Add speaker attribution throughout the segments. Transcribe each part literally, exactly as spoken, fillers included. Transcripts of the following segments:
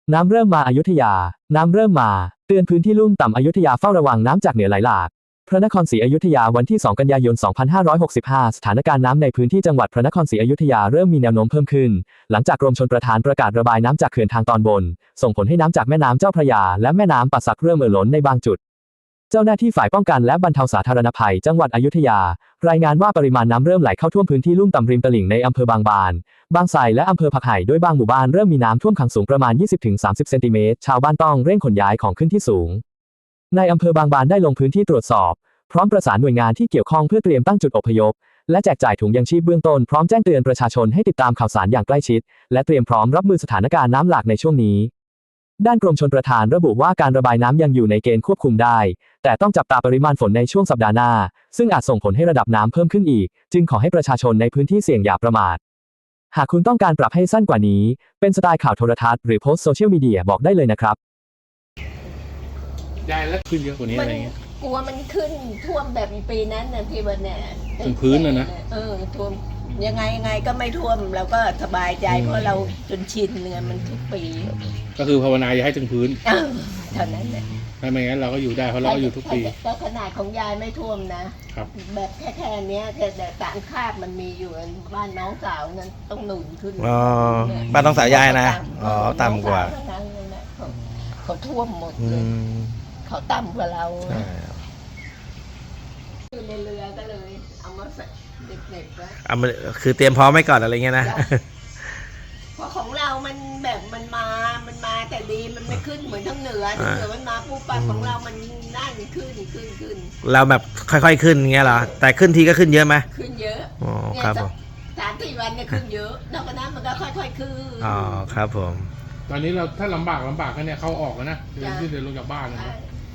Speaker 1: น้ำเริ่มมาอยุธยา น้ำเริ่มมาเตือนพื้นที่ลุ่มต่ำอยุธยาเฝ้าระวังน้ำจากเหนือไหลหลากพระนครศรีอยุธยาวันที่สองกันยายนสองพันห้าร้อยหกสิบห้าสถานการณ์น้ำในพื้นที่จังหวัดพระนครศรีอยุธยาเริ่มมีแนวโน้มเพิ่มขึ้นหลังจากกรมชลประทานประกาศระบายน้ำจากเขื่อนทางตอนบนส่งผลให้น้ำจากแม่น้ำเจ้าพระยาและแม่น้ำป่าสักเริ่มเอ่อล้นในบางจุดเจ้าหน้าที่ฝ่ายป้องกันและบรรเทาสาธารณภัยจังหวัดอยุธยารายงานว่าปริมาณน้ำเริ่มไหลเข้าท่วมพื้นที่ลุ่มต่ำริมตลิ่งในอำเภอบางบานบางไทรและอำเภอผักไห่โดยบางหมู่บ้านเริ่มมีน้ำท่วมขังสูงประมาณ ยี่สิบถึงสามสิบ เซนติเมตรชาวบ้านต้องเร่งขนย้ายของขึ้นที่สูงในอำเภอบางบานได้ลงพื้นที่ตรวจสอบพร้อมประสานหน่วยงานที่เกี่ยวข้องเพื่อเตรียมตั้งจุดอพยพและแจกจ่ายถุงยังชีพเบื้องต้นพร้อมแจ้งเตือนประชาชนให้ติดตามข่าวสารอย่างใกล้ชิดและเตรียมพร้อมรับมือสถานการณ์น้ำหลากในช่วงนี้ด้านกรมชลประทานระบุว่าการระบายน้ำยังอยู่ในเกณฑ์ควบคุมได้แต่ต้องจับตาปริมาณฝนในช่วงสัปดาห์หน้าซึ่งอาจส่งผลให้ระดับน้ำเพิ่มขึ้นอีกจึงขอให้ประชาชนในพื้นที่เสี่ยงอย่าประมาทหากคุณต้องการปรับให้สั้นกว่านี้เป็นสไตล์ข่าวโทรทัศน์หรือโพสต์โซเชียลมีเดียบอกได้เลยนะครับ
Speaker 2: ยายแล้วขึ้นเยอะกว่านี้อะไรเงี้ย
Speaker 3: กลัวมันขึ้นท่วมแบบปีนั้นนะที่วันเนี่ย
Speaker 2: ถึงพื้นเลยนะ
Speaker 3: เออท่วมยังไงยังไงก็ไม่ท่วมเราก็สบายใจเพราะเราจนชินเนี่ยมันทุกปี
Speaker 2: ก็คือภาวนาอย่าให้ถึงพื้น
Speaker 3: เท่านั้นแหละ
Speaker 2: ไม่ไม่งั้นเราก็อยู่ได้เพราะเราอยู่ทุกปี
Speaker 3: ก็ขนาดของยายไม่ท่วมนะครับแบบแค่แค่นี้แต่สารคาบมันมีอยู่บ้านน้องสาวนั้นต้องหนุนขึ้น
Speaker 4: อ๋อบ้านน้องสาวยายนะอ๋อต่ำกว่า
Speaker 3: เขาท่วมหมดเลยเขาต่ำกว่าเราอยู่ในเรือก็เลยเอามาใส่เด็กๆไว้
Speaker 4: เอามาคือเตรียมพร้อมไว้ก่อนอะไรเงี้ยนะ
Speaker 3: เพราะของเรามันแบบมันมามันมาแต่ดีมันไม่ขึ้นเหมือนทั้งเหนือทั้งเหนือมันมาปุ๊บปั๊บของเรามันนั่นขึ้นขึ้นขึ้น
Speaker 4: เราแบบค่อยๆขึ้นเงี้ยเหรอแต่ขึ้นทีก็ขึ้นเยอะไหม
Speaker 3: ขึ้นเยอะ
Speaker 4: อ๋อครับผม
Speaker 3: สามสี่วันเนี่ยขึ้นเยอะนอกจากนั้นมันก็ค่อยๆขึ้น
Speaker 4: อ๋อครับผม
Speaker 2: ตอนนี้เราถ้าลำบากลำบากกันเนี่ยเขาออกแล้วนะเดินขึ้นเดินลงจากบ้านนะ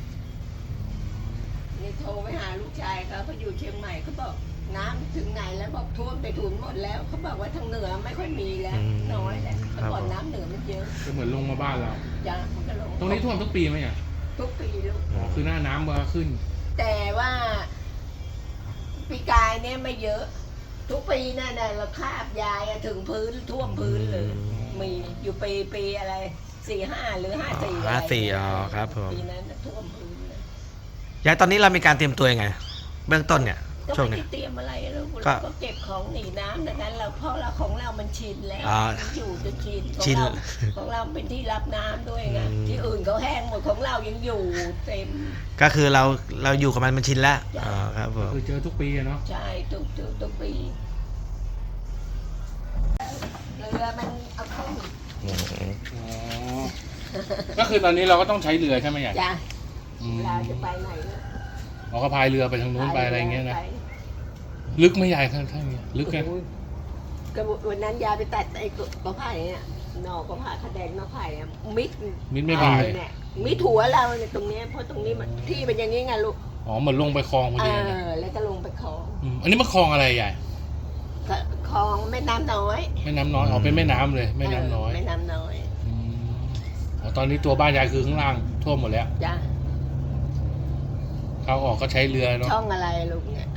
Speaker 3: นี่โทรไปหาลูกชายเขาเขาอยู่เชียงใหม่เขาบอกน้ำถึงไหนแล้วบอกท่วมไปถุนหมดแล้วเขาบอกว่าทางเหนือไม่ค่อยมีแล้วน้อยแล้วแต่ก่อนน้ำเหนือมันเยอะ
Speaker 2: ก็เหมือนลงมาบ้านเรา
Speaker 3: จ้ะมันก็ลง
Speaker 2: ตรงนี้ท่วมทุกปีไหมอ่ะ
Speaker 3: ทุกปีลูก
Speaker 2: อ๋อคือหน้าน้ำมันขึ้น
Speaker 3: แต่ว่าปีกายเนี่ยไม่เยอะทุกปีนั่นน่ะเราคาบยายถึงพื้นท่วมพื้นเลยมีอยู่ปีปีอะไรสี่ห้าหรือห้าสี่
Speaker 4: ห้าสี่อ๋อครับผม
Speaker 3: ปีนั้นท่วมพื้นเลย
Speaker 4: ยายตอนนี้เรามีการเตรียมตัวยังไงเบื้องต้นเนี่ย
Speaker 3: ก็ไม่ได้เตรียมอะไรเราก็เก็บของหนีน้ำดังนั้นเราเพราะเราของเรามันชินแล้วอยู่จนชินของเราของเราเป็นที่รับน้ำด้วยไงที่อื่นเขาแห้งหมดของเรายังอยู่เต็ม
Speaker 4: ก็คือเราเราอยู่กับมันมันชินแล้วอ๋อครับผม
Speaker 2: คือเจอทุกปีเนาะ
Speaker 3: ใช่ทุกทุกทุกปีเรือมันเอาขึ้น
Speaker 2: อ๋อก็คือตอนนี้เราก็ต้องใช้เรือใช่ไหม
Speaker 3: จ้ะเราจะไปไหน
Speaker 2: เราก็พายเรือไปทางนู้นไปอะไรเงี้ยนะลึกไม่ใหญ่ขนาดนี้ลึกไง
Speaker 3: ก็วันนั้นยายไปตัดไอ้กระไผ่เนี่ยนอกระไผ่ขแดงนอกไผ่อะมิด
Speaker 2: มิดไม่พาย
Speaker 3: เนี่ยมิดหัวเราเนี่ยตรงนี้เพราะตรงนี้มันที่เป็นอย่างนี้ไงลูก
Speaker 2: อ๋อเหมือนลงไปคลองพอดี
Speaker 3: เออแล้วก็ลงไปคลอง
Speaker 2: อันนี้มันคลองอะไรใหญ่
Speaker 3: คลองแม่น้ำน้อย
Speaker 2: แม่น้ำน้อยอ๋อเป็นแม่น้ำเลยแม่น้ำน้อย
Speaker 3: แม่น้ำน้อย
Speaker 2: อ๋อตอนนี้ตัวบ้านยายคือข้างล่างท่วมหมดแล้ว
Speaker 3: จ้ะ
Speaker 2: เขาออกก็ใช้เรือเนาะ
Speaker 3: ช่องอะไรลูกเนี่ย